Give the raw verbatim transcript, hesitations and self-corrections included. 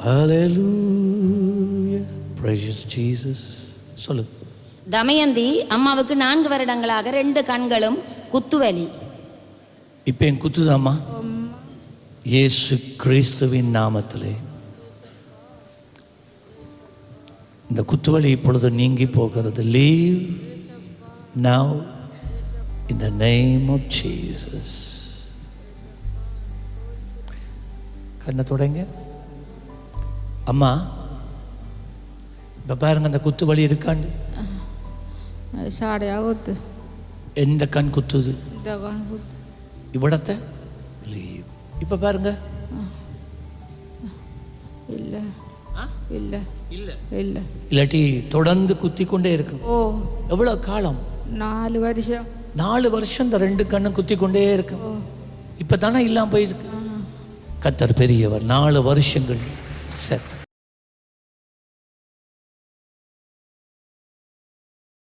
Hallelujah. Precious Jesus. சொல்லு. தமயந்தி அம்மாவுக்கு நான்கு வருடங்களாக ரெண்டு கண்களும் குத்துவலி. இப்போ என் குத்துதாம்மா இயேசு கிறிஸ்துவின் நாமத்திலே இந்த குத்துவலி இப்பொழுது நீங்கி போகிறது. Leave now in the name of Jesus. கண்ணை தொடங்க. அம்மா இப்போ பாருங்க அந்த குத்து வலி இருக்காண்டு. சாடையாகுது. எந்த கண் குத்துது? இந்த கண் குத்து. இவ்விடத்தை லீவ். இப்போ பாருங்க. இல்லை இல்லை இல்லை இல்லை இல்லாட்டி தொடர்ந்து குத்தி கொண்டே இருக்கும். ஓ எவ்வளோ காலம்? நாலு வருஷம். நாலு வருஷம் இந்த ரெண்டு கண்ணும் குத்தி கொண்டே இருக்கும். இப்போ தானே இல்லாமல் போயிருக்கு. கர்த்தர் பெரியவர். நாலு வருஷங்கள் சரி